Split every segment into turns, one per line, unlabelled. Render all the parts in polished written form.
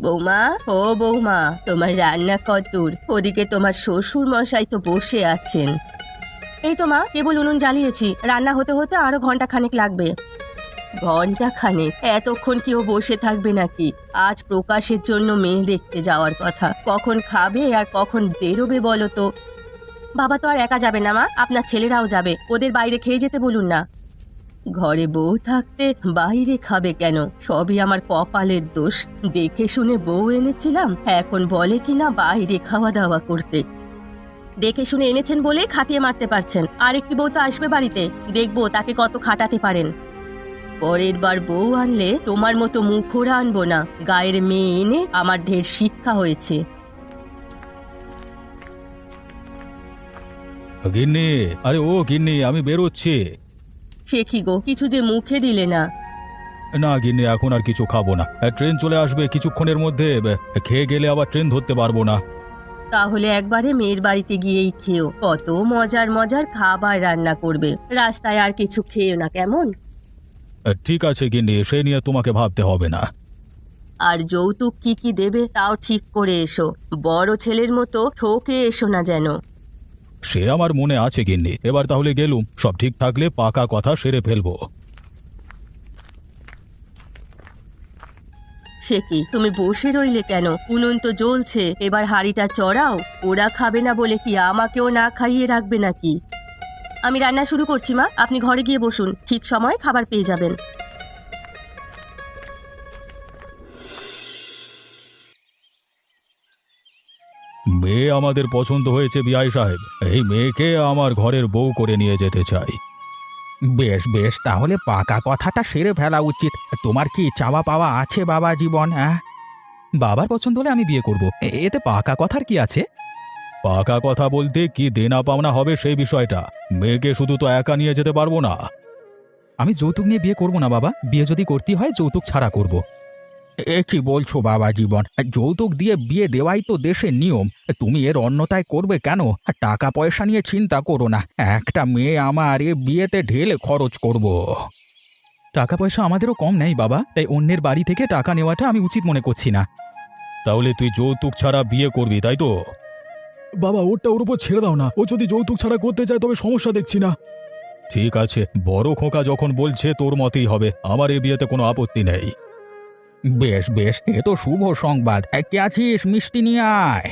বৌমা, ও বৌমা, তোমার রান্না কতদূর? ওদিকে তোমার শ্বশুর মশাই তো বসে আছেন। এই তো মা, কেবল উনুন জ্বালিয়েছি, রান্না হতে হতে আরো ঘন্টা খানেক লাগবে। ঘন্টা খানেক? এতক্ষণ কি ও বসে থাকবে নাকি? আজ প্রকাশের জন্য মেয়ে দেখতে যাওয়ার কথা, কখন খাবে আর কখন বেরোবে বলো তো? বাবা তো আর একা যাবে না মা, আপনার ছেলেরাও যাবে, ওদের বাইরে খেয়ে যেতে বলুন না। ঘরে বউ থাকতে বাইরে খাবে কেন? সবই আমার কপালের দোষ। দেখে শুনে বউ এনেছিলাম, এখন বলে কিনা বাইরে খাওয়া দাওয়া করতে। দেখে শুনে এনেছেন বলেই খাটিয়ে মারতে পারছেন, আর একটি বউ তো আসবে বাড়িতে, দেখবো তাকে কত খাটাতে পারেন। পরের বার বউ আনলে তোমার মতো মুখোরা আনবো না, গায়ের মেয়ে এনে আমার ঢের শিক্ষা হয়েছে।
গিন্নি, আরে ও গিন্নি, আমি বেরোচ্ছি।
সে কি গো, কিছু যে মুখে দিলে না?
না গিন্নি, এখন আর কিছু খাবো না, ট্রেন চলে আসবে কিছুক্ষণের মধ্যে, খেয়ে গেলে আবার ট্রেন ধরতে পারবো না।
তাহলে একবারে মেয়ের বাড়িতে গিয়েই খেও, কত মজার মজার খাবার রান্না করবে, রাস্তায় আর কিছু খেও না কেমন?
ঠিক আছে গিন্নি, সে নিয়ে তোমাকে ভাবতে হবে না।
আর যৌতুক কি কি দেবে তাও ঠিক করে এসো, বড় ছেলের মতো ঠকে এসো না যেন।
সে আমার মনে আছে গিন্নি, এবার তাহলে গেলুম, সব ঠিক থাকলে পাকা কথা সেরে ফেলবো।
সে কি, তুমি বসে রইলে কেন? উনুন তো জ্বলছে, এবার হাঁড়িটা চড়াও। ওরা খাবে না বলে কি আমাকেও না খাইয়ে রাখবে নাকি? আমি রান্না শুরু করছি মা, আপনি ঘরে গিয়ে বসুন, ঠিক সময়ে খাবার পেয়ে যাবেন।
মেয়ে আমাদের পছন্দ হয়েছে বিআই সাহেব, এই মেয়েকে আমার ঘরের বউ করে নিয়ে যেতে চাই।
বেশ বেশ, তাহলে পাকা কথাটা সেরে ফেলা উচিত। তোমার কি চাওয়া পাওয়া আছে বাবা জীবন? হ্যাঁ, বাবার পছন্দ হলে আমি বিয়ে করব, এতে পাকা কথার কি আছে?
পাকা কথা বলতে কি দেনা পাওনা হবে সেই বিষয়টা, মেয়েকে শুধু তো একা নিয়ে যেতে পারবো না।
আমি যৌতুক নিয়ে বিয়ে করব না বাবা, বিয়ে যদি করতে হয় যৌতুক ছাড়া করব। এ কি বলছো বাবা জীবন? যৌতুক দিয়ে বিয়ে দেওয়াই তো দেশের নিয়ম, তুমি এর অন্যতায় করবে কেন? টাকা পয়সা নিয়ে চিন্তা করো না, একটা মেয়ে আমার এ বিয়েতে ঢেলে খরচ করব। টাকা পয়সা আমাদেরও কম নেই বাবা, তাই অন্যের বাড়ি থেকে টাকা নেওয়াটা আমি উচিত মনে করছি না।
তাহলে তুই যৌতুক ছাড়া বিয়ে করবি, তাই তো?
বাবা, ওরটা ওর উপর ছেড়ে দাও না, ও যদি যৌতুক ছাড়া করতে চায় তবে সমস্যা দেখছি না।
ঠিক আছে, বড় খোকা যখন বলছে তোর মতেই হবে, আমার এই বিয়েতে কোনো আপত্তি নেই।
বেশ বেশ, এ তো শুভ সংবাদ। কে আছিস? মিষ্টি নিয়ে আয়।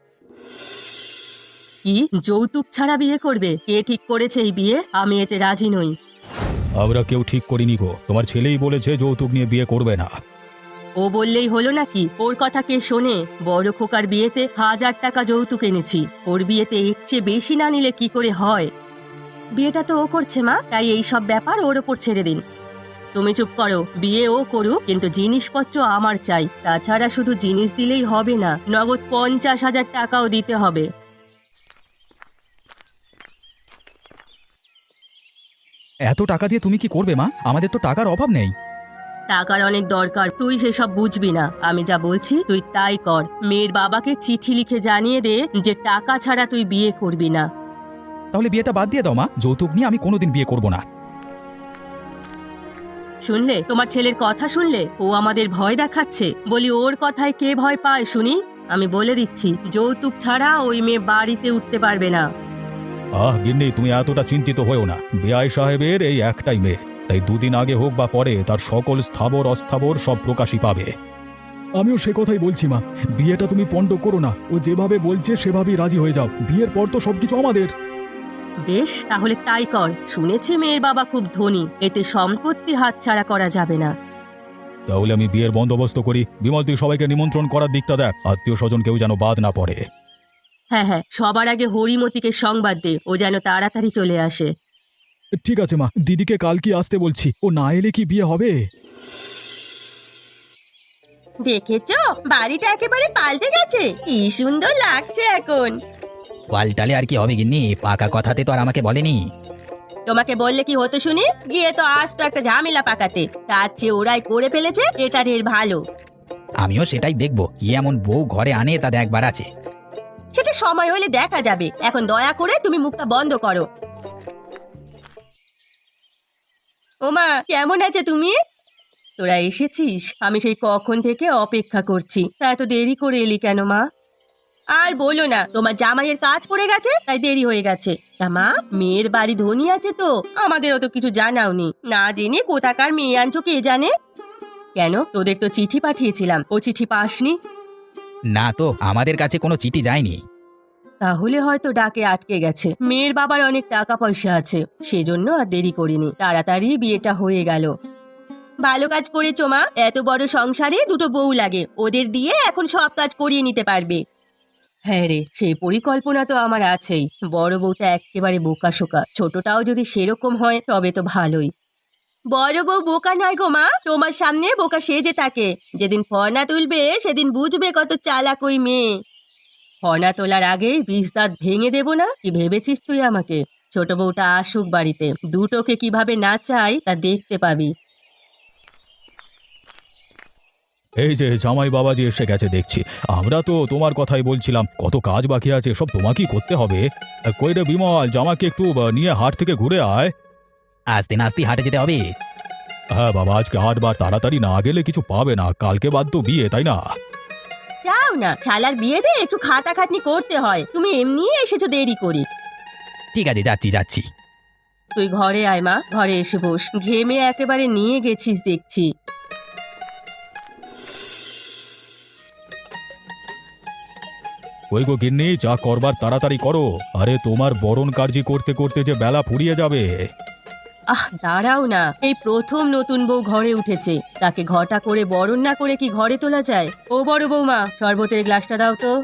কি, যৌতুক ছাড়া বিয়ে করবে? কে ঠিক করেছে এই বিয়ে? আমি এতে রাজি নই।
আমরা কেউ ঠিক করিনি গো, তোমার ছেলেই বলেছে যৌতুক নিয়ে বিয়ে করবে না।
ও বললেই হলো নাকি? ওর কথা কে শোনে? বড় খোকার বিয়েতে 1000 টাকা যৌতুক এনেছি, ওর বিয়েতে এর চেয়ে বেশি না নিলে কি করে হয়? বিয়েটা তো ও করছে মা, তাই এই সব ব্যাপার ওর ওপর ছেড়ে দিন। তুমি চুপ করো, বিয়ে ও করুক, কিন্তু জিনিসপত্র আমার চাই। তাছাড়া শুধু জিনিস দিলেই হবে না, নগদ 50,000 টাকাও দিতে হবে।
এত টাকা দিয়ে তুমি কি করবে মা? আমাদের তো টাকার অভাব নেই।
টাকার অনেক দরকার, তুই সেসব বুঝবি না। আমি যা বলছি তুই তাই কর। মেয়ের বাবাকে চিঠি লিখে জানিয়ে দে যে টাকা ছাড়া তুই বিয়ে করবি না।
তাহলে বিয়েটা বাদ দিয়ে দাও মা, যৌতুক নিয়ে আমি কোনোদিন বিয়ে করব না।
শুনলে তোমার ছেলের কথা? শুনলে ও আমাদের ভয় দেখাচ্ছে? বলি ওর কথায় কে ভয় পায় শুনি? আমি বলে দিচ্ছি, যৌতুক ছাড়া ওই মেয়ে বাড়িতে উঠতে পারবে না।
গিন্নি, তুমি এতটা চিন্তিত হয়েও না, বিআই সাহেবের এই একটাই মেয়ে, তাই দুদিন আগে হোক বা পরে তার সকল স্থাবর অস্থাবর সব প্রকাশই পাবে।
আমিও সে কথাই বলছি মা, বিয়েটা তুমি পণ্ড করো না, ও যেভাবে বলছে সেভাবেই রাজি হয়ে যাও, বিয়ের পর তো সবকিছু আমাদের।
বেশ, তাহলে তাই কর। শুনেছি মেয়ের বাবা খুব ধনী, এতে সম্পত্তি হাতছাড়া করা যাবে না।
তাহলে আমি বিয়ের বন্দোবস্ত করি। বিমল, তুই সবাইকে নিমন্ত্রণ করার দিকটা দেখ, আত্মীয় স্বজন কেউ যেন বাদ না পড়ে।
হ্যাঁ হ্যাঁ, সবার আগে হরিমতিকে সংবাদ দে, ও যেন তাড়াতাড়ি চলে আসে।
ঠিক আছে মা, দিদিকে কাল কি আসতে বলছি, ও না এলে কি বিয়ে হবে?
দেখেছো, বাড়িটা একেবারে পাল্টে গেছে, কি সুন্দর লাগছে এখন।
পাল্টালে আর কি হবে গিন্নি, পাকা কথাতে তো আর আমাকে বলেনি।
তোমাকে বললে কি হতো শুনি? গিয়ে তো আজ তো একটা ঝামেলা পাকাতে, তার চেয়ে ওরাই করে ফেলেছে, এটা ঢের ভালো।
আমিও সেটাই দেখবো, কি এমন বউ ঘরে আনে তা দেখবার আছে।
সেটা সময় হলে দেখা যাবে, এখন দয়া করে তুমি মুখটা বন্ধ করো। ওমা, কেমন আছে তুমি? তোরা এসেছিস? আমি সেই কখন থেকে অপেক্ষা করছি। তা এত দেরি করে এলি কেন মা? আর বলো না, তোমার জামাইয়ের কাজ পড়ে গেছে তাই দেরি হয়ে গেছে। তা মা, মেয়ের বাড়ি ধনী আছে তো, আমাদেরও তো কিছু জানাওনি। না জেনে কোথাকার মেয়ে আনছো কে জানে। কেন, তোদের তো চিঠি পাঠিয়েছিলাম, ও চিঠি পাসনি?
না তো, আমাদের কাছে কোনো চিঠি যায়নি।
তাহলে হয়তো ডাকে আটকে গেছে। মেয়ের বাবার অনেক টাকা পয়সা আছে, সেজন্য আর দেরি করিনি, তাড়াতাড়ি বিয়েটা হয়ে গেল। ভালো কাজ করেছো মা, এত বড় সংসারে দুটো বউ লাগে, ওদের দিয়ে এখন সব কাজ করিয়ে নিতে পারবে। হ্যাঁ রে, সেই পরিকল্পনা তো আমার আছেই। বড় বউটা একেবারে বোকাশোকা, ছোটটাও যদি সেরকম হয় তবে তো ভালোই। বড় বউ বোকা নয় গো মা, তোমার সামনে বোকা সেজে থাকে। যেদিন ফর্না তুলবে সেদিন বুঝবে কত চালাক ওই মেয়ে। ফর্না তোলার আগেই বিষ দাঁত ভেঙে দেব না, কি ভেবেছিস তুই আমাকে? ছোট বউটা আসুক বাড়িতে, দুটোকে কিভাবে নাচাই তা দেখতে পাবি।
এই যে জামাই বাবাজি এসে গেছে দেখছি। আমরা তো তোমার কথাই বলছিলাম, কত কাজ বাকি আছে, সব তোমাকেই করতে হবে। কই রে বিমল, জামাকে একটু নিয়ে হাট থেকে ঘুরে আয়।
আস্তে নাস্তে হাটে যেতে হবে।
হ্যাঁ বাবা, আজকে হাটবার তাড়াতাড়ি না গেলে কিছু পাবে না, কালকে বাদ তো বিয়ে, তাই না?
যাও না, শালার বিয়েতে একটু খাটাখাটনি করতে হয়, তুমি এমনি এসেছো দেরি করে।
ঠিক আছে, যাচ্ছি যাচ্ছি।
তুই ঘরে আয় মা, ঘরে এসে বস, ঘেমে একেবারে নিয়ে গেছিস দেখছি।
ওই গো গিন্নি, যা করবার তাড়াতাড়ি করো। আরে তোমার বরণ কার্য করতে করতে যে বেলা ফুরিয়ে যাবে।
দাঁড়াও না, এই প্রথম নতুন বউ ঘরে উঠেছে, তাকে ঘটা করে বরণ না করে কি ঘরে তোলা যায়? ও বড় বৌমা, শরবতের গ্লাসটা দাও তো।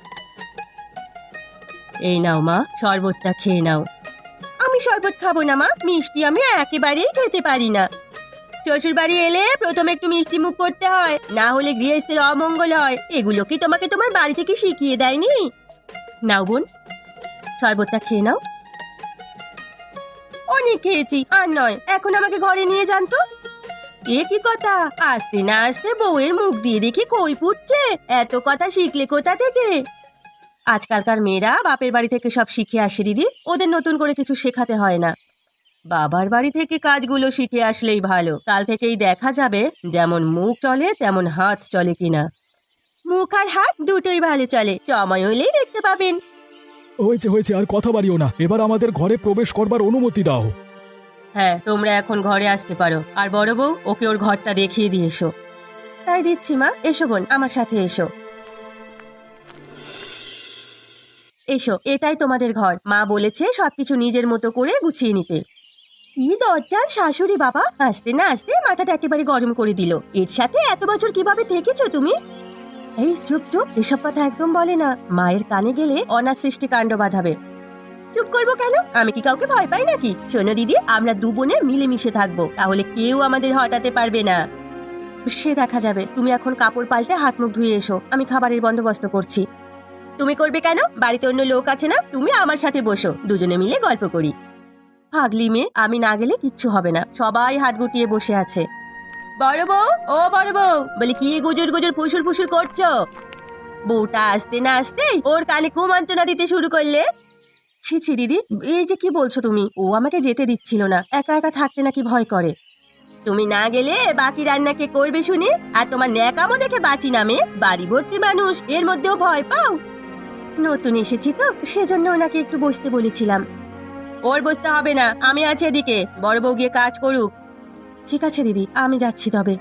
এই নাও মা, শরবতটা খেয়ে নাও। আমি শরবত খাবো না মা, মিষ্টি আমি একেবারেই খেতে পারি না। শ্বশুর বাড়ি এলে প্রথমে একটু মিষ্টি মুখ করতে হয়, না হলে গৃহস্থের অমঙ্গল হয়। এগুলো কি তোমাকে তোমার বাড়ি থেকে শিখিয়ে দেয়নি? নাও বোন, শরবতটা খেয়ে নাও। অনেক খেয়েছি, আর নয়, এখন আমাকে ঘরে নিয়ে যান তো। এ কি কথা, আসতে না আসতে বউয়ের মুখ দিয়ে দেখি খই ফুটছে। এত কথা শিখলে কোথা থেকে? আজকালকার মেয়েরা বাপের বাড়ি থেকে সব শিখে আসে দিদি, ওদের নতুন করে কিছু শেখাতে হয় না। বাবার বাড়ি থেকে কাজগুলো শিখে আসলেই ভালো, কাল থেকেই দেখা যাবে যেমন মুখ চলে তেমন হাত চলে কিনা। মুখ আর হাত দুটোই ভালো চলে, সময় হলেই দেখতে পাবেন।
হয়েছে হয়েছে, আর কথা বাড়িও না, এবার আমাদের ঘরে প্রবেশ করবার অনুমতি দাও।
হ্যাঁ, তোমরা এখন ঘরে আসতে পারো। আর বড় বউ, ওকে ওর ঘরটা দেখিয়ে দিয়ে এসো। তাই দিচ্ছি মা, এসো বোন, আমার সাথে এসো। এসো, এটাই তোমাদের ঘর। মা বলেছে সবকিছু নিজের মতো করে গুছিয়ে নিতে। কি দরজার শাশুড়ি বাবা, আসতে না আসতে মাথাটা একেবারে গরম করে দিল। এর সাথে এত বছর কিভাবে থেকেছো তুমি? এই চুপ চুপ, এসব কথা একদম বলে না, মায়ের কানে গেলে অনাথ সৃষ্টি কাণ্ড বাঁধাবে। চুপ করবো কেন? আমি কি কাউকে ভয় পাই নাকি? শোনো দিদি, আমরা দু বোনে মিলেমিশে থাকবো, তাহলে কেউ আমাদের হটাতে পারবে না। সে দেখা যাবে, তুমি এখন কাপড় পাল্টে হাত মুখ ধুয়ে এসো, আমি খাবারের বন্দোবস্ত করছি। তুমি করবে কেন? বাড়িতে অন্য লোক আছে না, তুমি আমার সাথে বসো, দুজনে মিলে গল্প করি। পাগলি মেয়ে, আমি না গেলে কিচ্ছু হবে না, সবাই হাত গুটিয়ে বসে আছে। বড় বউ, ও বড় বউ, বলে কি গুজুর গুজুর ফুসুর ফুসুর করছো? বউটা আসতে না আসতে ওর কানে কুমন্ত্রণা দিতে শুরু করলে। ছি ছি দিদি, এই যে কি বলছো তুমি? ও আমাকে যেতে দিচ্ছিল না, একা একা থাকতে নাকি ভয় করে। তুমি না গেলে বাকি রান্না কে করবে শুনি? আর তোমার ন্যাকামো দেখে বাঁচি নামে, বাড়ি ভর্তি মানুষ, এর মধ্যেও ভয় পাও? নতুন এসেছি তো, সেজন্য ওনাকে একটু বসতে বলেছিলাম। ওর বসতে হবে না, আমি আছি এদিকে, বড় বউ গিয়ে কাজ করুক। ঠিক আছে দিদি, আমি যাচ্ছি তবে।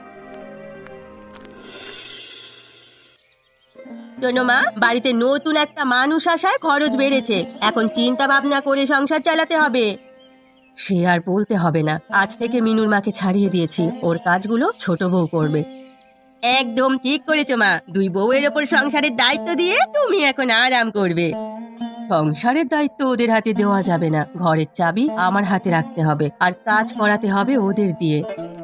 শোনো মা, বাড়িতে নতুন একটা মানুষ আসায় খরচ বেড়েছে, এখন চিন্তা ভাবনা করে সংসার চালাতে হবে। সে আর বলতে হবে না, আজ থেকে মিনুর মাকে ছাড়িয়ে দিয়েছি, ওর কাজগুলো ছোট বউ করবে। একদম ঠিক করেছো মা, দুই বউয়ের ওপর সংসারের দায়িত্ব দিয়ে তুমি এখন আরাম করবে। সংসারের দায়িত্ব ওদের হাতে দেওয়া যাবে না, ঘরের চাবি আমার হাতে রাখতে হবে, আর কাজ করাতে হবে ওদের দিয়ে।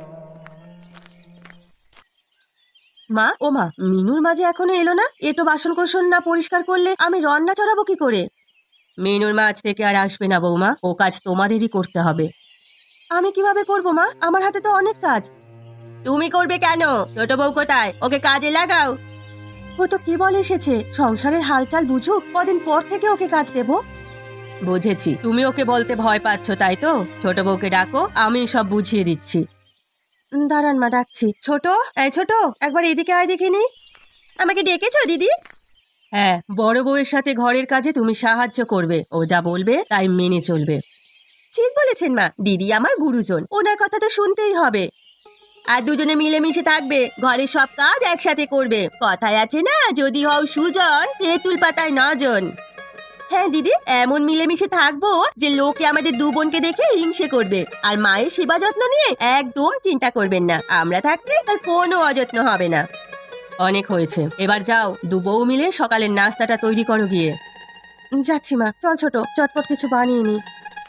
মা, ও মা, মিনুর মা যে এখনো এলো না, এটো বাসন কোসন না পরিষ্কার করলে আমি রান্না চড়াবো কি করে? মিনুর মা আজ থেকে আর আসবে না বৌমা, ও কাজ তোমাদেরই করতে হবে। আমি কিভাবে করব মা, আমার হাতে তো অনেক কাজ। তুমি করবে কেন? ছোট বউ কোথায়? ওকে কাজে লাগাও। ও তো কেবল এসেছে, সংসারের হালচাল বুঝুক, কদিন পর থেকে ওকে কাজ দেব। বুঝেছি, তুমি ওকে বলতে ভয় পাচ্ছ তাই তো? ছোট বউকে ডাকো, আমি সব বুঝিয়ে দিচ্ছি। দাঁড়ান মা, ডাকছি। ছোট, এই ছোট, একবার এদিকে আয় দেখিনি। আমাকে ডেকেছো দিদি? হ্যাঁ, বড় বউয়ের সাথে ঘরের কাজে তুমি সাহায্য করবে, ও যা বলবে তাই মেনে চলবে। ঠিক বলেছেন মা, দিদি আমার গুরুজন, ওনার কথা তো শুনতেই হবে। আর দুজনে মিলেমিশে থাকবে, ঘরের সব কাজ একসাথে করবে। কথায় আছে না, যদি হও সুজন তেঁতুল পাতায় নজন। হ্যাঁ দিদি, এমন মিলেমিশে থাকবো যে লোকে আমাদের দু বোনকে দেখে হিংসে করবে। আর মায়ের সেবা যত্ন নিয়ে একদম চিন্তা করবেন না, আমরা থাকলে তার কোনো অযত্ন হবে না। অনেক হয়েছে, এবার যাও, দু বউ মিলে সকালের নাস্তাটা তৈরি করো গিয়ে। যাচ্ছি মা, চল ছোট, চটপট কিছু বানিয়ে নি।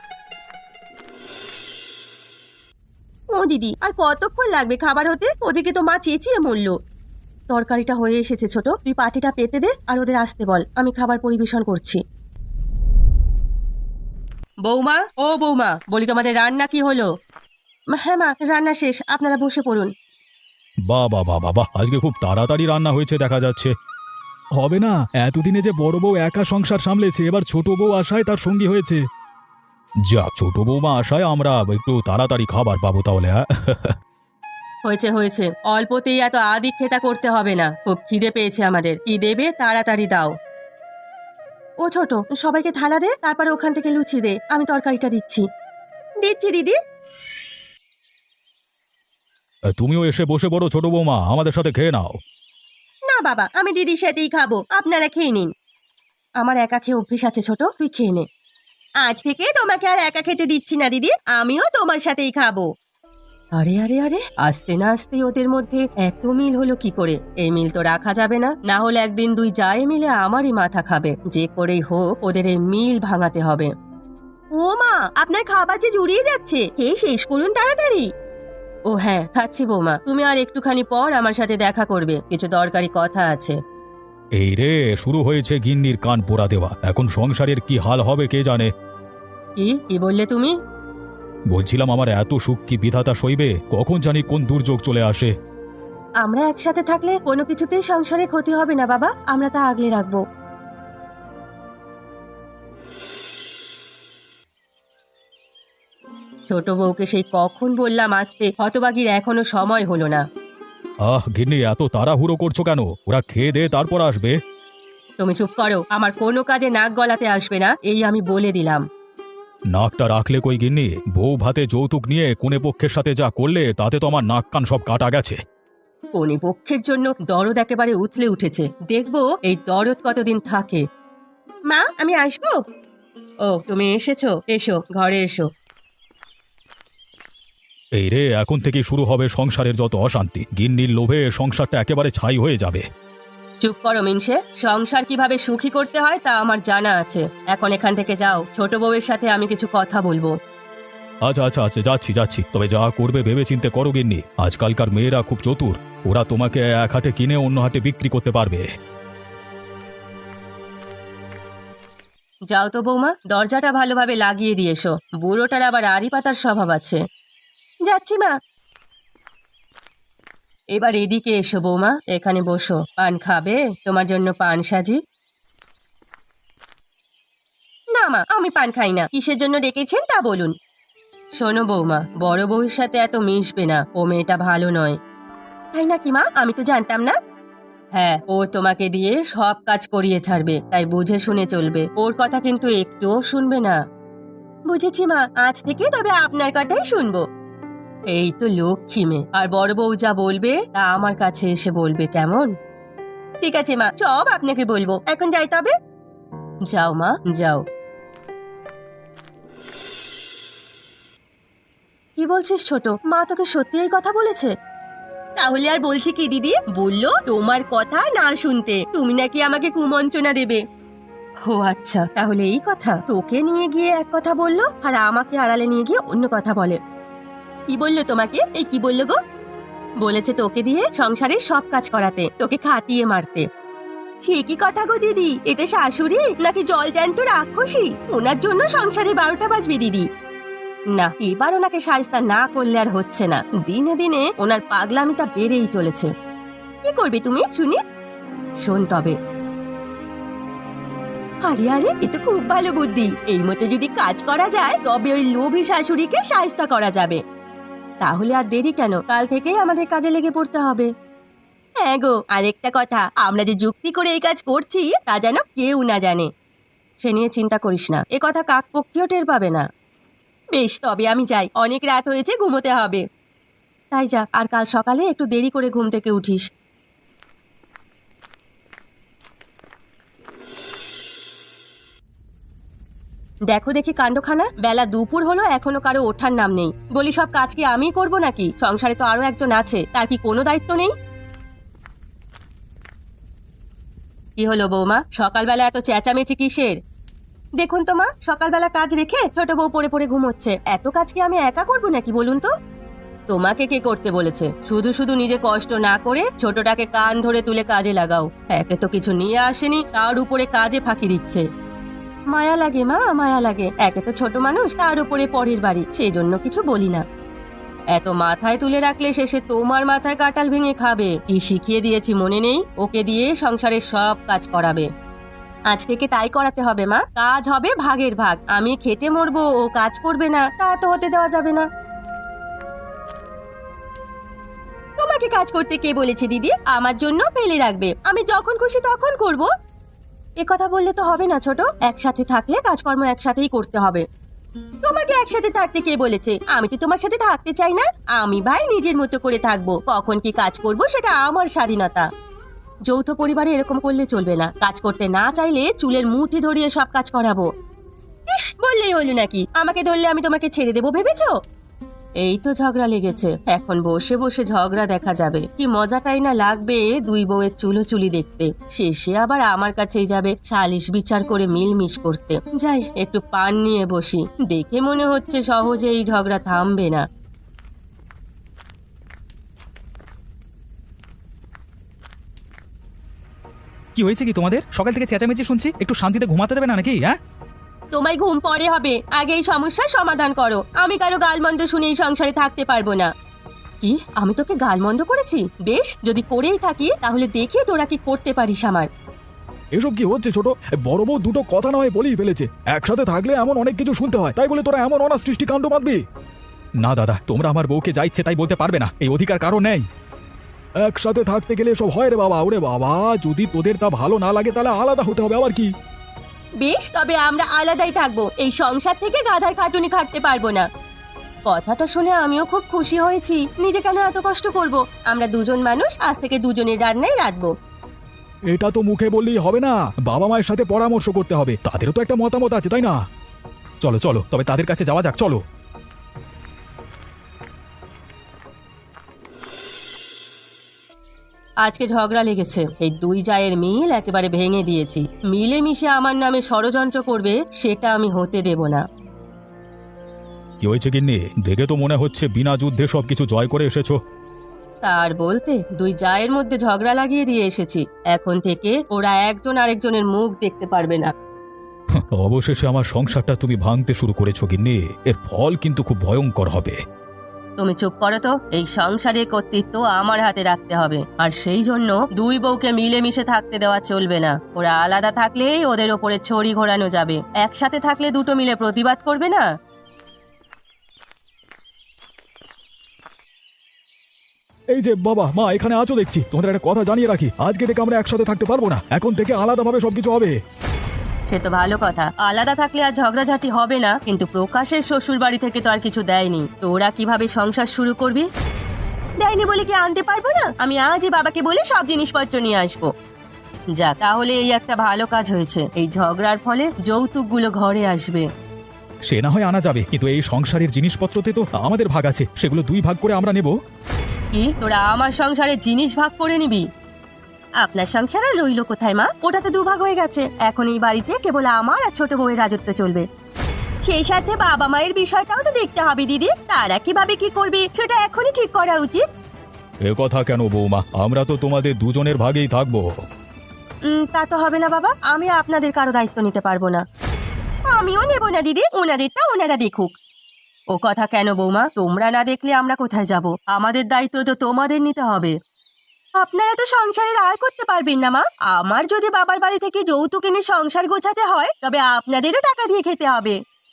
ও দিদি, আর কতক্ষণ লাগবে খাবার হতে? ওদিকে তো মা চেঁচিয়ে মরল। তরকারিটা হয়ে এসেছে ছোট, তুই পাটিটা পেতে দে আর ওদের আসতে বল, আমি খাবার পরিবেশন করছি। বৌমা, ও বৌমা, বলি তোমাদের রান্না কি হলো? হ্যাঁ মা, রান্না শেষ, আপনারা বসে পড়ুন।
বাহ বাহ বাহ বাহ বাহ, আজকে খুব তাড়াতাড়ি রান্না হয়েছে দেখা যাচ্ছে।
হবে না, এতদিনে যে বড় বউ একা সংসার সামলেছে, এবার ছোট বউ আশায় তার সঙ্গী হয়েছে।
যাক, ছোট বৌমা আসায় আমরা একটু তাড়াতাড়ি খাবার পাবো তাহলে। হ্যাঁ
হয়েছে হয়েছে, অল্পতেই এত আদিক্ষেতা করতে হবে না। খুব খিদে পেয়েছে আমাদের, কি দেবে তাড়াতাড়ি দাও। ও ছোট, সবাইকে থালা দে, তারপরে ওখান থেকে লুচি দে, আমি তরকারিটা দিচ্ছি। দিচ্ছি দিদি।
তুমিও এসে বসে পড়ো ছোট বৌমা, আমাদের সাথে খেয়ে নাও।
না বাবা, আমি দিদির সাথেই খাবো, আপনারা খেয়ে নিন। আমার একা খেয়ে অভ্যেস আছে ছোট, তুই খেয়ে নে। আজ থেকে তোমাকে আর একা খেতে দিচ্ছি না দিদি, আমিও তোমার সাথেই খাবো। আরে আরে আরে, আসতে না আসতে ওদের মধ্যে এত মিল হলো কি করে? এই মিল তো রাখা যাবে না, না হলে একদিন দুই জায়ে মিলে আমারই মাথা খাবে। যে করেই হোক ওদের এই মিল ভাঙাতে হবে। ও মা, আপনার খাবার যে জুড়িয়ে যাচ্ছে, খেয়ে শেষ করুন তাড়াতাড়ি। ও হ্যাঁ, খাচ্ছি বৌমা, তুমি আর একটুখানি পর আমার সাথে দেখা করবে, কিছু দরকারি কথা আছে।
এই রে, শুরু হয়েছে গিন্নির কান পোড়া দেওয়া। এখন সংসারের কি হাল হবে কে জানে।
কি বললে তুমি?
বলছিলাম, আমার এত সুখ কি বিধাতা সইবে? কখন জানি কোন দুর্যোগ চলে আসে।
আমরা একসাথে থাকলে কোনো কিছুতেই সংসারে ক্ষতি হবে না বাবা, আমরা তা আগলে রাখবো। ছোট বউকে সেই কখন বললাম আসতে, হতবাগির এখনো সময় হলো না।
গিন্নি, এত তাড়াহুড়ো করছো কেন? ওরা খেয়ে দে তারপর আসবে।
তুমি চুপ করো, আমার কোনো কাজে নাক গলাতে আসবে না, এই আমি বলে দিলাম।
নাকটা রাখলে কই গিন্নি? বউ ভাতে যৌতুক নিয়ে কোনে পক্ষের সাথে যা করলে তাতে তো আমার নাক কান সব কাটা গেছে।
কোনে পক্ষের জন্য দরদ একেবারে উথলে উঠেছে, দেখবো এই দরদ কতদিন থাকে। মা, আমি আসবো? ও তুমি এসেছো, এসো ঘরে এসো।
এই রে, এখন থেকেই শুরু হবে সংসারের যত অশান্তি। গিন্নির লোভে সংসারটা একেবারে ছাই হয়ে যাবে।
চুপ করো মিনসে, সংসার কিভাবে সুখী করতে হয় তা আমার জানা আছে। এখন এখান থেকে যাও, ছোট বউয়ের সাথে আমি কিছু কথা বলবো।
আচ্ছা আচ্ছা আচ্ছা, যাচ্ছি, তবে যা করবে ভেবে চিন্তে করো গিন্নি। আজকালকার মেয়েরা খুব চতুর, ওরা তোমাকে এক হাটে কিনে অন্য হাটে বিক্রি করতে পারবে।
যাও তো বৌমা, দরজাটা ভালোভাবে লাগিয়ে দিয়ে এসো, বুড়োটার আবার আড়ি পাতার স্বভাব আছে। যাচ্ছি মা। এবার এদিকে এসো বৌমা, এখানে বসো। পান খাবে? তোমার জন্য পান সাজি। না মা, আমি পান খাই না। কিসের জন্য ডেকেছেন তা বলুন। শোনো বৌমা, বড় বউয়ের সাথে এত মিশবে না, ও মেয়েটা ভালো নয়। তাই নাকি মা? আমি তো জানতাম না। হ্যাঁ, ও তোমাকে দিয়ে সব কাজ করিয়ে ছাড়বে, তাই বুঝে শুনে চলবে। ওর কথা কিন্তু একটুও শুনবে না। বুঝেছি মা, আজ থেকে তবে আপনার কথাই শুনবো। এই তো লক্ষ্মী মেয়ে, আর বড় বউ যা বলবে তা আমার কাছে এসে বলবে, কেমন? ঠিক আছে মা, সব আপনাকে বলবো। এখন যাই তবে। যাও মা, যাও। কি বলছিস ছোট? মা তোকে সত্যি এই কথা বলেছে? তাহলে আর বলছি কি দিদি, বললো তোমার কথা না শুনতে, তুমি নাকি আমাকে কুমন্ত্রণা দেবে। ও আচ্ছা, তাহলে এই কথা। তোকে নিয়ে গিয়ে এক কথা বললো আর আমাকে আড়ালে নিয়ে গিয়ে অন্য কথা বলে। কি বললো তোমাকে? এই কি বললো গো? বলেছে তোকে দিয়ে সংসারের সব কাজ করাতে, তোকে খাটিয়ে মারতে। সে কি কথা গো দিদি? এটা শাশুড়ি নাকি জল জ্যান্ত রাক্ষসী? ওনার জন্য সংসারে 12টা বাজবে দিদি। না, এবার ওনাকে শায়েস্তা না করলে আর হচ্ছে না। দিনে দিনে ওনার পাগলামিটা বেড়েই চলেছে। কি করবে তুমি শুনি? শোন তবে। আরে আরে, এ তো খুব ভালো বুদ্ধি। এই মতো যদি কাজ করা যায় তবে ওই লোভী শাশুড়িকে শায়েস্তা করা যাবে। তাহলে আর দেরি কেন, কাল থেকেই আমাদের কাজে লেগে পড়তে হবে। হ্যাঁ গো, আরেকটা কথা, আমরা যে যুক্তি করে এই কাজ করছি তা যেন কেউ না জানে। সে নিয়ে চিন্তা করিস না, এ কথা কাকপক্ষীও টের পাবে না। বেশ, তবে আমি যাই, অনেক রাত হয়েছে, ঘুমোতে হবে। তাই যা, আর কাল সকালে একটু দেরি করে ঘুম থেকে উঠিস। দেখো দেখি কাণ্ডখানা, বেলা দুপুর হলো, এখনো কারো ওঠার নাম নেই। বলি, সব কাজ কি আমিই করবো নাকি? সংসারে তো আরো একজন আছে, তার কি কোনো দায়িত্ব নেই? কি হলো বৌমা, সকালবেলা এত চেঁচামেচি কিসের? দেখুন তো মা, সকালবেলা কাজ রেখে ছোট বউ পড়ে পড়ে ঘুমোচ্ছে। এত কাজ কি আমি একা করবো নাকি বলুন তো? তোমাকে কে করতে বলেছে? শুধু শুধু নিজে কষ্ট না করে ছোটটাকে কান ধরে তুলে কাজে লাগাও। একে তো কিছু নিয়ে আসেনি, তার উপরে কাজে ফাঁকি দিচ্ছে। মায়া লাগে মা, মায়া লাগে। একে তো ছোট মানুষ, তার উপরে পরের বাড়ি, সেই জন্য কিছু বলি না। এত মাথায় তুলে রাখলে শেষে তোমার মাথায় কাঁঠাল ভেঙে খাবে। কি শিখিয়ে দিয়েছি মনে নেই? ওকে দিয়ে সংসারের সব কাজ করাবে। আজ থেকে তাই করাতে হবে মা, কাজ হবে ভাগের ভাগ। আমি খেটে মরবো, ও কাজ করবে না, তা তো হতে দেওয়া যাবে না। তোমাকে কাজ করতে কে বলেছে দিদি? আমার জন্য ফেলে রাখবে, আমি যখন খুশি তখন করব। এ কথা বললে তো হবে না ছোট, একসাথে থাকলে কাজকর্ম একসাথেই করতে হবে। তোমাকে একসাথে থাকতে কে বলেছে? আমি তো তোমার সাথে থাকতে চাই না। আমি ভাই নিজের মতো করে থাকবো, কখন কি কাজ করব সেটা আমার স্বাধীনতা। যৌথ পরিবারে এরকম করলে চলবে না। কাজ করতে না চাইলে চুলের মুঠি ধরিয়ে সব কাজ করাবো। ইস, বললেই হলো নাকি? আমাকে ধরলে আমি তোমাকে ছেড়ে দেবো ভেবেছো? এই তো ঝগড়া লেগেছে, এখন বসে বসে ঝগড়া দেখা যাবে। কি মজাটাই না লাগবে দুই বউয়ের চুলোচুলি দেখতে। শেষে আবার আমার কাছেই যাবে সালিশ বিচার করে মিলমিশ করতে। যাই, একটু পান নিয়ে বসি। দেখে মনে হচ্ছে সহজে এই ঝগড়া থামবে না।
কি হয়েছে কি তোমাদের? সকাল থেকে চেঁচামেচি শুনছি, একটু শান্তিতে ঘুমাতে দেবে না নাকি? হ্যাঁ,
তোমায় ঘুম পরে হবে, আগে এই সমস্যার সমাধান করো। আমি কারো গালমন্দ শুনে এই সংসারে থাকতে পারবো না। কি, আমি তোকে গালমন্দ করেছি? বেশ, যদি করেই থাকি তাহলে দেখি তোরা কি করতে পারিস আমার।
এসব কি হচ্ছে ছোট? বড় বউ দুটো কথা না হয় বলেই ফেলেছে, একসাথে থাকলে এমন অনেক কিছু শুনতে হয়, তাই বলে তোরা এমন অনাসৃষ্টি কাণ্ড বাঁধবি?
না দাদা, তোমরা আমার বউকে যা ইচ্ছে তাই বলতে পারবে না, এই অধিকার কারো নেই।
একসাথে থাকতে গেলে সব হয় রে বাবা। ওরে বাবা, যদি তোদের তা ভালো না লাগে তাহলে আলাদা হতে হবে, আবার কি?
বেশ, তবে আমরা আলাদাই থাকবো। এই সংসার থেকে গাধার খাটুনি খাটতে পারবো না। কথাটা শুনে আমিও খুব খুশি হয়েছি। নিজে কেন এত কষ্ট করব? আমরা দুজন মানুষ, আজ থেকে দুজনের রান্নাই রাঁধবো।
এটা তো মুখে বললেই হবে না, বাবা মায়ের সাথে পরামর্শ করতে হবে, তাদেরও তো একটা মতামত আছে, তাই না?
চলো চলো, তবে তাদের কাছে যাওয়া যাক, চলো।
আজকে ঝগড়া লেগেছে, এই দুই জায়ের মিল একেবারে ভেঙে দিয়েছি। মিলেমিশে আমার নামে ষড়যন্ত্র করবে, সেটা আমি হতে দেব না।
কি হয়েছে গিন্নি? দেখে তো মনে হচ্ছে বিনা যুদ্ধে সবকিছু জয় করে এসেছো।
তার বলতে দুই জায়ের মধ্যে ঝগড়া লাগিয়ে দিয়ে এসেছি। এখন থেকে ওরা একজন আরেকজনের মুখ দেখতে পারবে না।
অবশেষে আমার সংসারটা তুমি ভাঙতে শুরু করেছো গিন্নি, এর ফল কিন্তু খুব ভয়ঙ্কর হবে।
তুমি চুপ করো তো, এই সংসারের কর্তৃত্ব আমার হাতে রাখতে হবে। আর সেই জন্য দুই বউকে মিলেমিশে থাকতে দেওয়া চলবে না। ওরা আলাদা থাকলেই ওদের ওপরে ছড়ি ঘোরানো যাবে, একসাথে থাকলে দুটো মিলে প্রতিবাদ করবে না।
এই যে বাবা মা এখানে আছো দেখছি, তোমাদের একটা কথা জানিয়ে রাখি, আজকে থেকে আমরা একসাথে থাকতে পারবো না, এখন থেকে আলাদাভাবে সবকিছু হবে।
সে তো ভালো কথা, আলাদা থাকলে আর ঝগড়াঝাটি হবে না। কিন্তু প্রকাশের শ্বশুর বাড়ি থেকে তো আর কিছু দেয়নি, তো ওরা কিভাবে সংসার শুরু করবি? দেয়নি বলে কি আনতে পারবো না? আমি আজই বাবাকে বলে সব জিনিসপত্র নিয়ে আসবো। যাক, তাহলে এই একটা ভালো কাজ হয়েছে। এই ঝগড়ার ফলে যৌতুকগুলো ঘরে আসবে।
সে না হয় আনা যাবে, কিন্তু এই সংসারের জিনিসপত্রতে তো আমাদের ভাগ আছে, সেগুলো দুই ভাগ করে আমরা নেব।
কি, তোরা আমার সংসারে জিনিস ভাগ করে নিবি? আপনার সংসার আর রইল কোথায় মা? ওটা তো দুভাগ হয়ে গেছে। এখন এই বাড়িতে কেবল আমার আর ছোট বউয়ের রাজত্ব চলবে। সেই সাথে বাবা মায়ের বিষয়টাও তো দেখতে হবে দিদি। তারা কিভাবে কি করবে সেটা এখনই ঠিক করা উচিত।
এ কথা কেন বৌমা, আমরা তো তোমাদের দুজনের ভাগেই থাকবো।
তা তো হবে না বাবা, আমি আপনাদের কারো দায়িত্ব নিতে পারবো না। আমিও নেব না দিদি, ওনাদেরটা ওনারা দেখুক। ও কথা কেন বৌমা? তোমরা না দেখলে আমরা কোথায় যাব? আমাদের দায়িত্ব তো তোমাদের নিতে হবে। আপনারা তো সংসারের আয় করতে পারবেন না মা। আমার যদি বাবার বাড়ি থেকে যৌতুক এনে সংসার গোছাতে হয়, তবে আপনাদেরও টাকা দিয়ে খেতে হবে।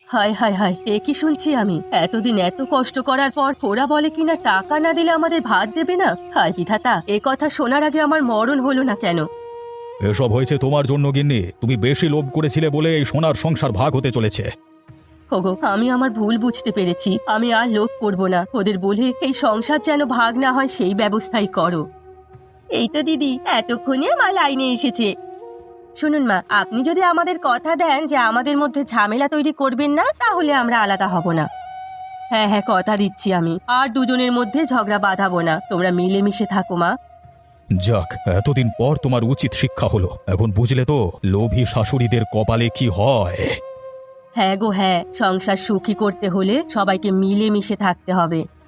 হায় হায় হায়, এ কি শুনছি আমি? এতদিন এত কষ্ট করার পর ওরা বলে কিনা টাকা না দিলে আমাদের ভাত দেবে না। হায় বিধাতা, এ কথা শোনার আগে আমার মরণ হলো না কেন?
এসব হয়েছে তোমার জন্য গিন্নি, তুমি বেশি লোভ করেছিলে বলে এই সোনার সংসার ভাগ হতে চলেছে।
ওগো, আমি আমার ভুল বুঝতে পেরেছি। আমি আর লোভ করব না। ওদের বলে এই সংসার যেন ভাগ না হয় সেই ব্যবস্থাই করো। এই তো দিদি, এতক্ষণে মা লাইনে এসেছে। শুনুন মা, আপনি যদি আমাদের কথা দেন যে আমাদের মধ্যে ঝামেলা তৈরি করবেন না, তাহলে আমরা আলাদা হব না। হ্যাঁ হ্যাঁ, কথা দিচ্ছি আমি আর দুজনের মধ্যে ঝগড়া বাঁধাবো না। তোমরা মিলেমিশে থাকো মা।
যাক, এতদিন পর তোমার উচিত শিক্ষা হলো। এখন বুঝলে তো লোভী শাশুড়িদের কপালে কি হয়।
হ্যাঁ গো হ্যাঁ, সংসার সুখী করতে হলে সবাইকে মিলেমিশে থাকতে হবে।